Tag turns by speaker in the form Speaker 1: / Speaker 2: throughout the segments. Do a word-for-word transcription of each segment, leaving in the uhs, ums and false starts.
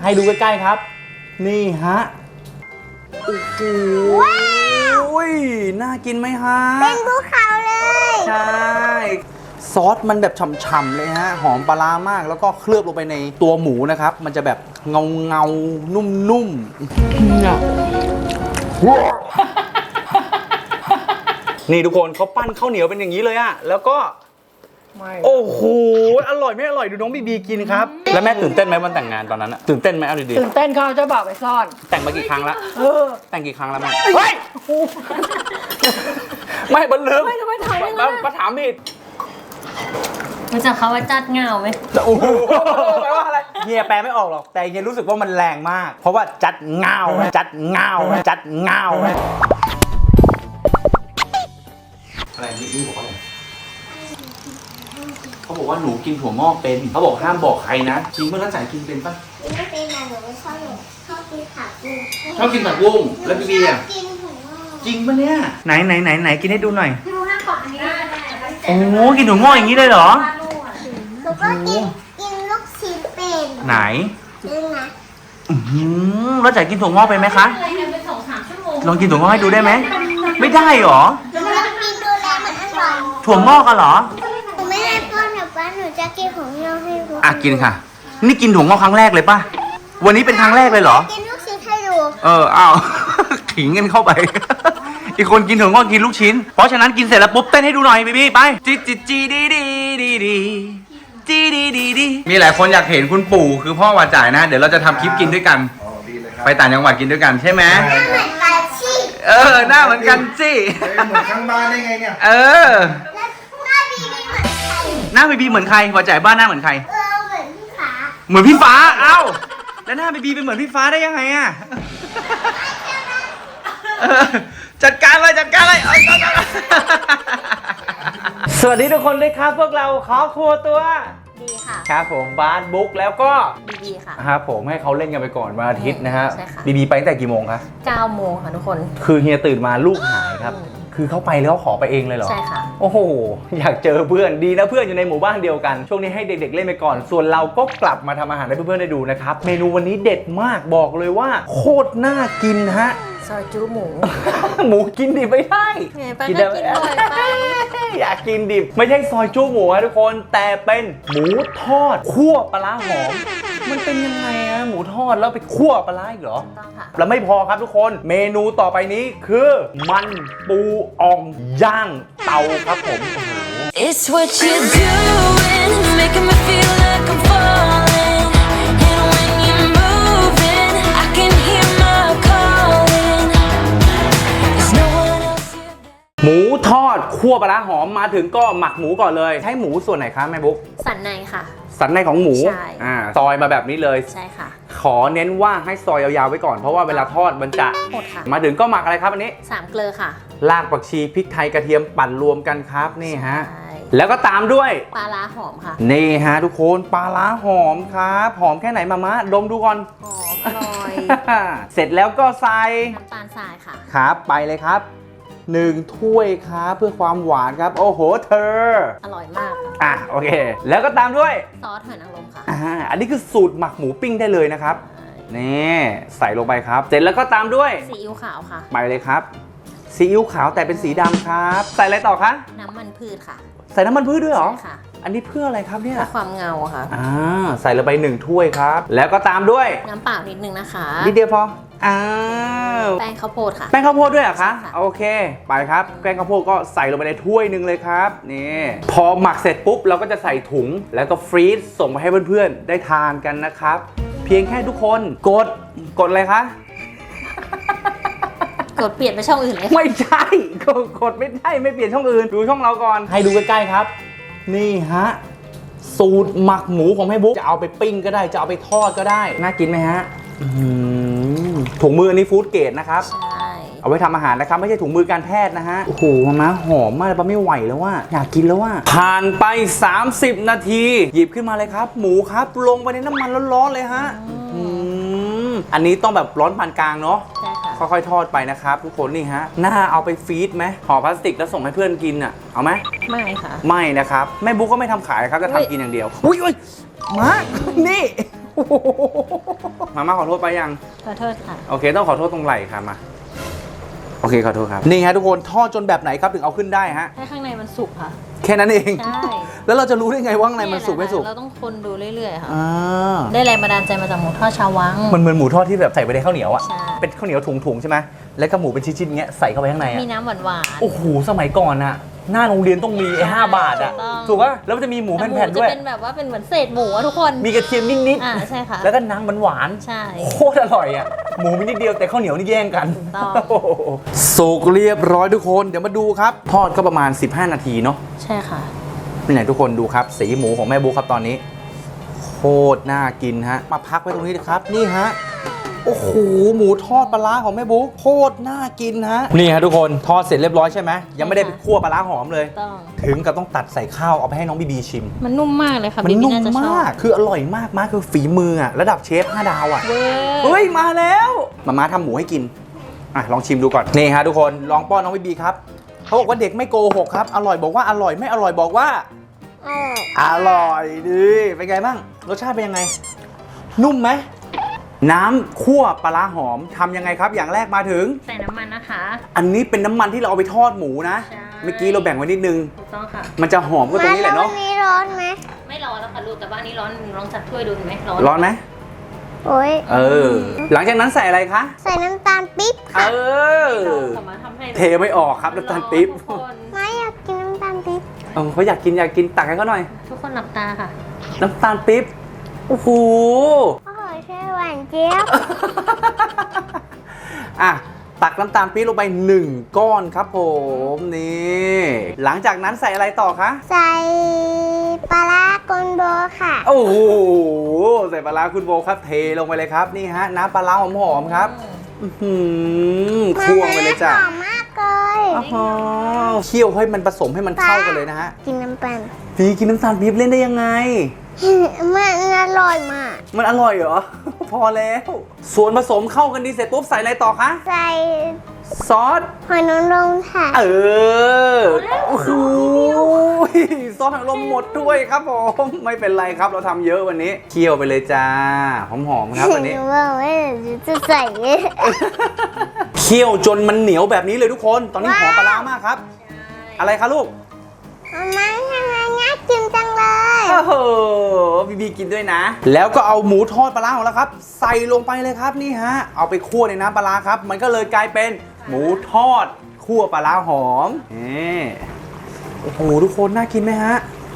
Speaker 1: ให้ดูใกล้ๆครับนี่ฮะโอ้โหน่ากินไหมฮะ
Speaker 2: เป็นภูเขาเลย
Speaker 1: ใช่ซอสมันแบบฉ่ำๆเลยฮะหอมปลาร้ามากแล้วก็เคลือบลงไปในตัวหมูนะครับมันจะแบบเงาเงานุ่มๆนี่ทุกคนเขาปั้นข้าวเหนียวเป็นอย่างนี้เลยอะแล้วก็โอ้โหอร่อยไม่อร่อยดูน้องบีบีกินครับแล้วแม่ตื่นเต้นไหมวันแต่งงานตอนนั้นอะตื่นเต้นไหมเอาดีๆ
Speaker 3: ตื่นเต้นเขาเจ้าบ่าวไปซ่อน
Speaker 1: แต่งมากี่ครั้งละ
Speaker 3: เออ
Speaker 1: แต่งกี่ครั้งแล้วแม่เฮ้ยไม่บันลืม
Speaker 3: ไม่ทำไมถามไม่
Speaker 1: ได้มาถามผิด
Speaker 4: รู้จักเขาว่าจัดเงาไหม
Speaker 1: โอ้โหแปลว่าอะไรเฮียแปลไม่ออกหรอกแต่เฮียรู้สึกว่ามันแรงมากเพราะว่าจัดเงาจัดเงาจัดเงาอะไรนี่นี่บอกว่าอะไรเขาบอกว่าหนูกินถั่วงอกเป็นเขาบอกห้ามบอกใครนะจริงเมื่อรักษากินเป็นปะ
Speaker 2: ไม่เป็นไรหนูไม่ชอบหนูชอบกินผักบุ้ง
Speaker 1: ชอบกินผักบุ้งแล้วพี่บีอ่ะ
Speaker 2: กินถั่วงอก
Speaker 1: จริงปะเนี่ยไหนไหนไหนไหนกินให้ดูหน่อย
Speaker 2: พี่รู้ห้ามบอกอันนี้ได้
Speaker 1: โอ้กินถั่วงอกอย่างนี้เลยเหรอ
Speaker 2: หนูก็กินกินลูกชิ้นเป็น
Speaker 1: ไหน
Speaker 2: นี่นะ
Speaker 1: อืมแล้วจ๋ากินถั่วงอกเป็นไหมคะลองกินถั่วงอกให้ดูได้ไหมไม่ได้หรอ
Speaker 2: หนูจะกินดูแลมันอร่อย
Speaker 1: ถั่วงอกกันเหรอ
Speaker 2: หนูไม่ได้ป้อนหนูป้อนหนูจะกินของยอให้ดู
Speaker 1: อ่ะกินค่ะนี่กินถั่วงอกครั้งแรกเลยป่ะวันนี้เป็นครั้งแรกเลยเหรอ
Speaker 2: กินลูกชิ้นให้ดู
Speaker 1: เอออ้าวขิงกันเข้าไปอีกคนกินถั่วงอกกินลูกชิ้นเพราะฉะนั้นกินเสร็จแล้วปุ๊บเต้นให้ดูหน่อยบีบีไปจีจีจีดีดีดีดีจีดีดีดีมีหลายคนอยากเห็นคุณปู่คือพ่อวาจ่ายนะเดี๋ยวเราจะทำคลิปกินด้วยกันไปต่างจังหวัดกินด้วยกันใช่ไหม
Speaker 2: เหมือนกันสิ
Speaker 1: เออหน้าเหมือนกันสิ
Speaker 5: เหมือนข้างบ้านได้ไงเนี่ย
Speaker 1: เออ
Speaker 2: หน้าบีบีเหมือนใคร
Speaker 1: หน้าบีบีเหมือนใครวาจ่ายบ้านหน้าเหมือนใคร
Speaker 2: เออเหมือนพี่ฟ้า
Speaker 1: เหมือนพี่ฟ้าเอ้าแล้วหน้าบีบีเป็นเหมือนพี่ฟ้าได้ยังไงอะจัดการเลยจัดการเลยสวัสดีทุกคนด้วยครับพวกเราขอครัวตัว
Speaker 4: ดีค่ะ
Speaker 1: ครับผมบาสบุ๊กแล้วก็
Speaker 4: บีบีค่ะ
Speaker 1: ครับผมให้เขาเล่นกันไปก่อนวันอาทิตย์นะฮะ
Speaker 4: ใช่ค่ะ
Speaker 1: บีบีไปตั้งแต่กี่โมงคะ
Speaker 4: เก้าโมงค่ะทุกคน
Speaker 1: คือเฮียตื่นมาลูกหายครับคือเขาไปแล้วขอไปเองเลยเหรอ
Speaker 4: ใช่ค่ะ
Speaker 1: โอ้โหอยากเจอเพื่อนดีนะเพื่อนอยู่ในหมู่บ้านเดียวกันช่วงนี้ให้เด็กๆเล่นไปก่อนส่วนเราก็กลับมาทำอาหารให้เพื่อนๆได้ดูนะครับเมนูวันนี้เด็ดมากบอกเลยว่าโคตรน่ากินฮะ
Speaker 4: ซอยจูหมู
Speaker 1: หมูกินดิบไม่ได้
Speaker 4: กินได้กินบ่อยไป
Speaker 1: อยากกินดิบไม่ใช่ซอยจูหมูนะทุกคนแต่เป็นหมูทอดคั่วปลาร้าหอมมันเป็นยังไงอะหมูทอดแล้วไปคั่วปลาร้าอีกเหรอ
Speaker 4: ต้องค่ะ
Speaker 1: แล้วไม่พอครับทุกคนเมนูต่อไปนี้คือมันปูอ่องย่างเตาครับผม It's what you doing making me feel like I'm falling and when you're moving I can hear my calling There's no one else here หมูทอดคั่วปลาร้าหอมมาถึงก็หมักหมูก่อนเลยใช้หมูส่วนไหนคะแม่บุ๊ก
Speaker 4: สันในค่ะ
Speaker 1: สันในของหมู
Speaker 4: ใช่
Speaker 1: อ่าซอยมาแบบนี้เลย
Speaker 4: ใช่ค่ะ
Speaker 1: ขอเน้นว่าให้ซอยยาวๆไว้ก่อนเพราะว่าเวลาทอดมันจะ
Speaker 4: หมดค่ะ
Speaker 1: มาถึงก็หมักอะไรครับอันนี้
Speaker 4: สามเกลือค่ะ
Speaker 1: รากผักชีพริกไทยกระเทียมปั่นรวมกันครับนี่ฮะแล้วก็ตามด้วย
Speaker 4: ปลาร้าหอมค่ะ
Speaker 1: นี่ฮะทุกคนปลาร้าหอมครับหอมแค่ไหนมามะดมดูก่อน
Speaker 4: หอมอร่อย
Speaker 1: เสร็จแล้วก็ใส่
Speaker 4: น้ำตาลทรายค่ะ
Speaker 1: ครับไปเลยครับหนึ่งถ้วยครับเพื่อความหวานครับโอ้โหเธอ
Speaker 4: อร่อยมาก
Speaker 1: อ่ะโอเคแล้วก็ตามด้วย
Speaker 4: ซอสหอยนางรมค่ะ
Speaker 1: อ่าอันนี้คือสูตรหมักหมูปิ้งได้เลยนะครับนี่ใส่ลงไปครับเสร็จแล้วก็ตามด้วย
Speaker 4: ซีอิ๊วขาวค่ะ
Speaker 1: ไปเลยครับซีอิ๊วขาวแต่เป็นสีดำครับใส่อะไรต่อคะ
Speaker 4: น้ำมันพืชค่ะ
Speaker 1: ใส่น้ำมันพืชด้วยเหรอ
Speaker 4: ใช่ค่ะ
Speaker 1: อันนี้เพื่ออะไรครับเนี่ย
Speaker 4: เพื่อความเงาค่ะ
Speaker 1: อ่าใส่ลงไปหนึ่งถ้วยครับแล้วก็ตามด้วย
Speaker 4: น้ำเปล่านิดนึงนะคะ
Speaker 1: นิดเดียวพออ้าว
Speaker 4: แป้งข้าวโพดค่ะ
Speaker 1: แป้งข้าวโพดด้วยเหรอคะโอเคไปครับแป้งข้าวโพดก็ใส่ลงไปในถ้วยหนึ่งเลยครับนี่พอหมักเสร็จปุ๊บเราก็จะใส่ถุงแล้วก็ฟรีซส่งไปให้เพื่อนๆได้ทานกันนะครับเพียงแค่ทุกคนกดกดอะไรคะ
Speaker 4: กดเปลี่ยนไปช่องอื่นเลย
Speaker 1: ไม่ใช่กดกดไม่ได้ไม่เปลี่ยนช่องอื่นดูช่องเราก่อนให้ดูใกล้ๆครับนี่ฮะสูตรหมักหมูของแม่บุ๊กจะเอาไปปิ้งก็ได้จะเอาไปทอดก็ได้น่ากินไหมฮะถุงมืออันนี้ฟู้ดเกรดนะครับ
Speaker 4: ใช่
Speaker 1: เอาไว้ทำอาหารนะครับไม่ใช่ถุงมือการแพทย์นะฮะโอ้โหมาหอมมากเลยปะไม่ไหวแล้วว่าอยากกินแล้วว่าผ่านไปสามสิบนาทีหยิบขึ้นมาเลยครับหมูครับลงไปในน้ำมันร้อนๆเลยฮะอันนี้ต้องแบบร้อนปานกลางเนาะ
Speaker 4: ใช่ค่ะ
Speaker 1: ค่อยๆทอดไปนะครับทุกคนนี่ฮะน่าเอาไปฟีดไหมห่อพลาสติกแล้วส่งให้เพื่อนกินอ่ะเอาไหม
Speaker 4: ไม่ค่ะ
Speaker 1: ไม่นะครับแม่บุ๊กก็ไม่ทำขายครับจะทำกินอย่างเดียวอุ้ยอุ้ยมานี่มาม่าขอโทษไปยัง
Speaker 4: ขอโทษค่ะ
Speaker 1: โอเคต้องขอโทษตรงไหล่ค่ะมาโอเคขอโทษครับนี่ฮะทุกคนทอดจนแบบไหนครับถึงเอาขึ้นได้ฮะ
Speaker 4: ให้ข้างในมันสุกค่ะ
Speaker 1: แค่นั้นเอง
Speaker 4: ใช่
Speaker 1: แล้วเราจะรู้ได้ไงว่าข้างในมันสุกไม่สุก
Speaker 4: เราต้องคนดูเรื่อยๆค่ะ
Speaker 1: อ่า
Speaker 4: ได้แรงบันดาลใจมาจากหมูทอดชาววัง
Speaker 1: มันเหมือนหมูทอดที่แบบใส่ไปในข้าวเหนียวอ่ะ
Speaker 4: ใช่
Speaker 1: เป็นข้าวเหนียวถุงๆใช่ไหมแล้วก็หมูเป็นชิ้นๆอย่างเงี้ยใส่เข้าไปข้างในอ่ะ
Speaker 4: มีน้ำหวาน
Speaker 1: โอ้โหสมัยก่อนอ่ะหน้าโรงเรียนต้องมีไอ้ห้าบาทอ่ะ
Speaker 4: ถูกต้อง
Speaker 1: ถูกป่ะแล้วมันจะมีหมู
Speaker 4: ๆแต่หมู
Speaker 1: แผ่นๆ
Speaker 4: จะ
Speaker 1: ด้วย
Speaker 4: เป็นแบบว่าเป็นเหมือนเศษหมูอะทุกคน
Speaker 1: มีกระเทียมนิด
Speaker 4: อ่าใช่ค่ะ
Speaker 1: ๆแล้วก็น้ำหวานๆ
Speaker 4: ใช่
Speaker 1: โคตรอร่อยอ่ะ หมูมีนิดเดียวแต่ข้าวเหนียวนี่แย่งกัน
Speaker 4: ถูกต้อง
Speaker 1: โอ้โหสุกเรียบร้อยทุกคน เดี๋ยวมาดูครับ ทอดก็ประมาณสิบห้านาทีเนาะ
Speaker 4: ใช่ค่ะ
Speaker 1: นี่ไหนทุกคนดูครับ สีหมูของแม่บุ๊คครับตอนนี้ โคตรน่ากินฮะ มาพักไว้ตรงนี้นะครับ นี่ฮะ โอ้โห หมูทอดปลาร้าของแม่บุ๊คโคตรน่ากินฮะ นี่ฮะทุกคน ทอดเสร็จเรียบร้อยใช่ไหม ยังไม่ได้ไปคั่วปลาร้าหอมเลย
Speaker 4: ต้อง
Speaker 1: ถึงกับต้องตัดใส่ข้าวเอาไปให้น้องบีบีชิม
Speaker 4: มันนุ่มมากเลยค่ะ
Speaker 1: มัน
Speaker 4: บีบี
Speaker 1: นุ่ม
Speaker 4: น่าจะชอ
Speaker 1: มาก
Speaker 4: บ
Speaker 1: คืออร่อยมากมากคือฝีมืออะระดับเชฟห้าดาวอะ
Speaker 4: เว้ย
Speaker 1: เฮ้ย มาแล้วมาม่าทำหมูให้กิน อ่ะ ลองชิมดูก่อน นี่ฮะทุกคน ลองป้อนน้องบีบีครับ เขาบอกว่าเด็กไม่โกหกครับ อร่อยบอกว่าอร่อยไม่อร่อยบอกว่า
Speaker 2: เออ
Speaker 1: อร่อยดีเป็นไงบ้าง รสชาติเป็นยังไง นุ่มไหม น้ำคั่วปลาร้าหอมทำยังไงครับ อย่างแรกมาถึง
Speaker 4: ใส่น้ำมันนะคะ
Speaker 1: อันนี้เป็นน้ำมันที่เราเอาไปทอดหมูนะ
Speaker 4: ใช่
Speaker 1: เมื่อกี้เราแบ่งไว้นิดนึง
Speaker 4: ถูกต้องค่ะ
Speaker 1: มันจะหอมก็ตรงนี้แหละเนาะ
Speaker 2: มาแล้ววันนี้ร้อนไหม
Speaker 4: ไม่ร้อนแล้วค่ะลูกแต่ว่าอันนี้ร้อนลองจับถ้วยดูเห็นไหมร้อน
Speaker 1: ร้อนไหม
Speaker 2: โอ้ย
Speaker 1: เออ หลังจากนั้นใส่อะไรคะ
Speaker 2: ใส่น้ำตาลปิ๊บ
Speaker 1: เอ
Speaker 2: ค่ะ
Speaker 1: อ
Speaker 4: สามารถทำให้
Speaker 1: เทไม่ออกครับน้ำตาลปิ๊บ
Speaker 4: ทุกคน
Speaker 2: ไม่อยากกินน้ำตาลปิ๊บ
Speaker 1: เออเขาอยากกินอยากกินตักให้เขาหน่อย
Speaker 4: ทุกคนหลับตาค่ะ
Speaker 1: น้ำตาลปิ๊บ โอ้โห
Speaker 2: โอ้โหใช่หวานเจี๊ยบ
Speaker 1: อ่ะ ตักน้ำตาลปี๊บลงไปหนึ่งก้อนครับผมนี่หลังจากนั้นใส่อะไรต่อคะ
Speaker 2: ใส่ปลาร้ากอนโบค่ะ
Speaker 1: โอ้โหใส่ปลาร้าคุณโบครับเทลงไปเลยครับนี่ฮะน้ำปลาร้าหอมๆครับอื้อหือคั่วไปเลยจ้ะ
Speaker 2: หอมมากเลย
Speaker 1: อ้าวเคี่ยวให้มันผสมให้มันเข้ากันเลยนะฮะ
Speaker 2: กินน้ำปัน
Speaker 1: พี่กินน้ำตาลปี๊บเล่นได้ยังไง
Speaker 2: มันอร่อยมาก
Speaker 1: มันอร่อยเหรอ พอแล้ว ส่วนผสมเข้ากันดีเสร็จปุ๊บใส่อะไรต่อคะ
Speaker 2: ใส่
Speaker 1: ซอส
Speaker 2: หอยนางรมค่ะ
Speaker 1: เออ โอ้โหซอสถังลมหมดด้วยครับผม ไม่เป็นไรครับเราทำเยอะวันนี้ เคี่ยวไปเลยจ้า หอมๆครับวันนี้
Speaker 2: หนูบอกว่าหนูจะใส่
Speaker 1: เคี่ยวจนมันเหนียวแบบนี้เลยทุกคน ตอนนี้หอมปลาร้ามากครับ อะไรคะลูก
Speaker 2: มาทำไมน่ากินจังเลย
Speaker 1: โอ้โหบีบีกินด้วยนะ แล้วก็เอาหมูทอดปลาร้าของเราครับ ใส่ลงไปเลยครับนี่ฮะ เอาไปคั่วในน้ำปลาร้าครับ มันก็เลยกลายเป็นหมูทอดคั่วปลาร้าหอมนี่โอ้โหทุกคนน่ากินไหมฮะ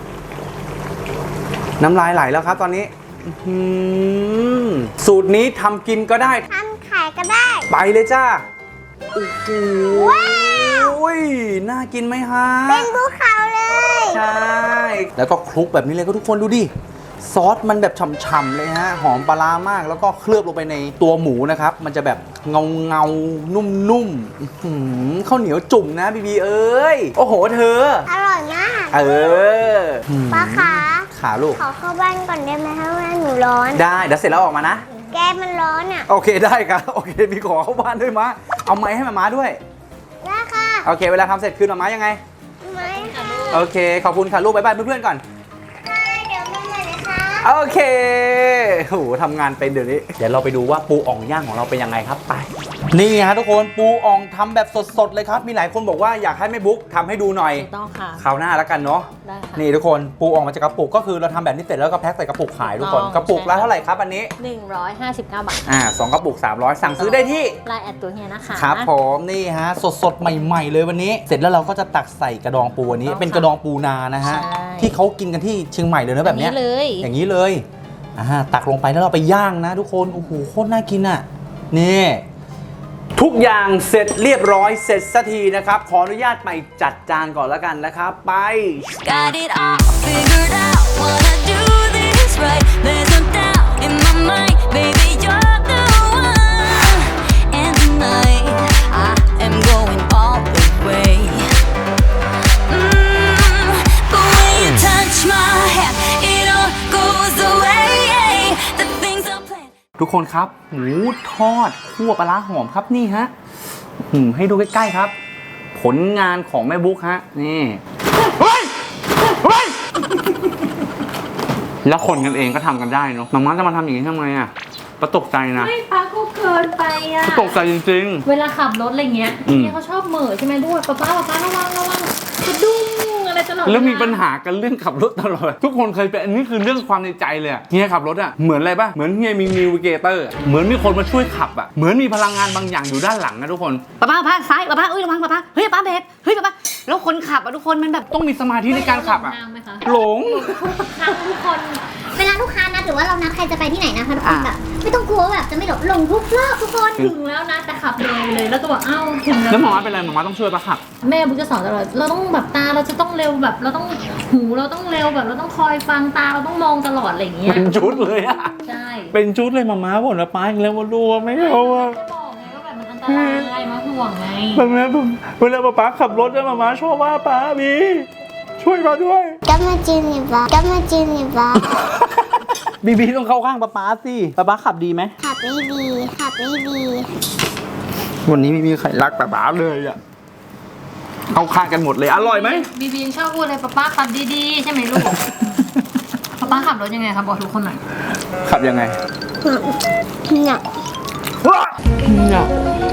Speaker 1: น้ำลายไหลแล้วครับตอนนี้อื้อหือสูตรนี้ทำกินก็ได้
Speaker 2: ทำขายก็ได้
Speaker 1: ไปเลยจ้า โอ้โห
Speaker 2: ว้าว
Speaker 1: น่ากินไหมฮะ
Speaker 2: เป็นภูเขาเลย
Speaker 1: ใช่ แล้วก็คลุกแบบนี้เลยก็ทุกคนดูดิ ซอสมันแบบฉ่ำๆเลยฮะ หอมปลาร้ามาก แล้วก็เคลือบลงไปในตัวหมูนะครับ มันจะแบบเงาเงาๆนุ่มๆอื้อหือข้าวเหนียวจุ่มนะบีบีเอ้ย โอ้โหเธอ
Speaker 2: อร่อยมาก
Speaker 1: เออ
Speaker 2: ป้าขา
Speaker 1: ขาลูก
Speaker 2: ขอเข้าบ้านก่อนได้ไหมเพราะว่าหนูร้อน
Speaker 1: ได้ เดี๋ยวเสร็จแล้วออกมานะ
Speaker 2: แกมันร้อนอ่ะ
Speaker 1: โอเคได้ครับโอเคมีขอเข้าบ้านด้วยมะเอาไม้ให้มาม้าด้วย
Speaker 2: ได้ค่ะ
Speaker 1: โอเค เวลาทำเสร็จคืนมาม้ายังไง
Speaker 2: ไม่ค่ะ
Speaker 1: โอเค ขอบคุณค่ะลูกบ๊ายบายเพื่อนๆก่อน
Speaker 2: เดี๋ยวมาใหม่นะคะ
Speaker 1: โอเคโหทำงานเป็นเดี๋ยวนี้ เดี๋ยวเราไปดูว่าปูอ่องย่างของเราเป็นยังไงครับ ไป นี่ฮะทุกคน ปูอ่องทำแบบสดๆเลยครับ มีหลายคนบอกว่าอยากให้แม่บุ๊กทำให้ดูหน่อย
Speaker 4: ถูกต้องค่ะ
Speaker 1: คราวหน้าแล้วกันเนาะ
Speaker 4: ได้ค่ะ
Speaker 1: นี่ทุกคน ปูอ่องมาจากกระปุก ก็คือเราทำแบบนี้เสร็จแล้วก็แพ็คใส่กระปุกขายทุกคน
Speaker 4: ถูกต้อง
Speaker 1: กระปุกละเท่าไหร่ครับอันนี้
Speaker 4: หนึ่งร้อยห้าสิบเก้าบาท
Speaker 1: อ่าสองกระปุกสามร้อยสั่งซื้อได้ที่
Speaker 4: ไลน์แอดตัวเฮียนะคะ
Speaker 1: ครับผมนี่ฮะสดๆ ใหม่ๆ เลยวันนี้ เสร็จแล้วเราก็จะตักใส่กระดองปูอันนี้
Speaker 4: ถูกต้อง
Speaker 1: เป็นกระดองปูนานะฮะ
Speaker 4: ใช่
Speaker 1: ที่เขากินกันที่เชียงใหม่เลยนะแบบเนี้ย
Speaker 4: อย่างนี้เลย
Speaker 1: อย่างนี้เลยอ่าตักลงไปแล้วเราไปย่างนะทุกคนโอ้โหโคตรน่ากินอ่ะนี่ทุกอย่างเสร็จเรียบร้อยเสร็จสักทีนะครับขออนุญาตไปจัดจานก่อนแล้วกันนะครับไป
Speaker 6: Got it all figured out. Wanna do this right. There's no doubt in my mind, baby, you're the one. And tonight I am going all the way. Mm, the way you touch my hair, it all goes away. The things I planned.
Speaker 1: ทุกคนครับหมูทอดคั่วปลาร้าหอมครับนี่ฮะหืมให้ดูใกล้ๆครับ ผลงานของแม่บุ๊กฮะนี่เฮ้ยเฮ้ยแล้วคนกันเองก็ทำกันได้เนาะมาม่าจะมาทำอย่างนี้ทำไมอ่ะประตกใจนะ
Speaker 4: ไม่ป้าก็เกินไปอ่ะ
Speaker 1: ประตกใจจริง
Speaker 4: เวลาขับรถอะไรเงี้ย
Speaker 1: อืม
Speaker 4: เนี่ยเขาชอบเหม่อใช่ไหมด้วยป้าป้าป้าป้าระวังระวังกระดุ้งอะไรตลอด
Speaker 1: ๆ แล้วมี
Speaker 4: เา
Speaker 1: ปัญหากันเรื่องขับรถตลอดทุกคนเคยเป็นอันนี้คือเรื่องความในใจเลยอะเฮียขับรถอ่ะเหมือนอะไรป่ะเหมือนเฮียมีนิวเกเตอร์เหมือนมีคนมาช่วยขับอ่ะเหมือนมีพลังงานบางอย่างอยู่ด้านหลังนะทุกคน
Speaker 3: ป้าป้าป้าซ้ายป้าป้าเอ้ยระวังป้าป้าเฮ้ยป้าเบรกเฮ้ยป้าป้าแล้วคนขับอะทุกคนมันแบบ
Speaker 1: ต้องมีสมาธิในการขับอ่ะ
Speaker 4: ทางไหมคะ
Speaker 1: หลง
Speaker 4: ทางทุกคน
Speaker 2: เวลาลูกค้านัดหรือว่าเรานัดใครจะไปที่ไหนนะคะทุกคนแบบไม่ต้องกลัวแบบจะไม่หลงหลงทุกรอบทุกคน
Speaker 4: ถึงแล้วนะแต่ขับเลยเลยแล้วก็บอกเอ้าถึงแล้ว
Speaker 1: แล้วหมอมาเป็นไรหมอมาต้องช่วยปะขับ
Speaker 4: แม่บุ๊กจะสอนตลอดเราต้องแบบตาเราจะต้องเร็วแบบ เราต้องหูเราต้องเร็วแบบเราต้องคอยฟังตาเราต้องมองตลอดอะไรอย่างเงี้ย
Speaker 1: เป็นชุดเลยอะ
Speaker 4: ใช่
Speaker 1: เป็นชุดเลยมาม่าบ่นว่าป้าอีกแล้วมาดูว่าไม่เอาอะ
Speaker 4: ก็บอกไงว่าแบบมันอันตรายมาห่วงไง
Speaker 1: แบบนี้เวลาป้าขับรถแล้วมาม่าชอบว่าป้าบีช่วยมาด้วย
Speaker 2: ก็มาจินนี่บ้าก็มาจินนี่บ้า
Speaker 1: บีบีต้องเข้าข้างป้าป้าสิป้าป้าขับดีไหม
Speaker 2: ขับไม่ดีขับไม่ดี
Speaker 1: วันนี้ไม่มีใครรักป้าป้าเลยอะเข้าข้างกันหมดเลยอร่อยไหม
Speaker 4: บีบีชอบพูดเลยป้าป้าขับดีๆใช่ไหมลูก ป้าป้าขับรถยังไงครับบอกทุกคนหน่อย
Speaker 1: ขับยังไง
Speaker 2: เนี่ย
Speaker 1: เนี่ย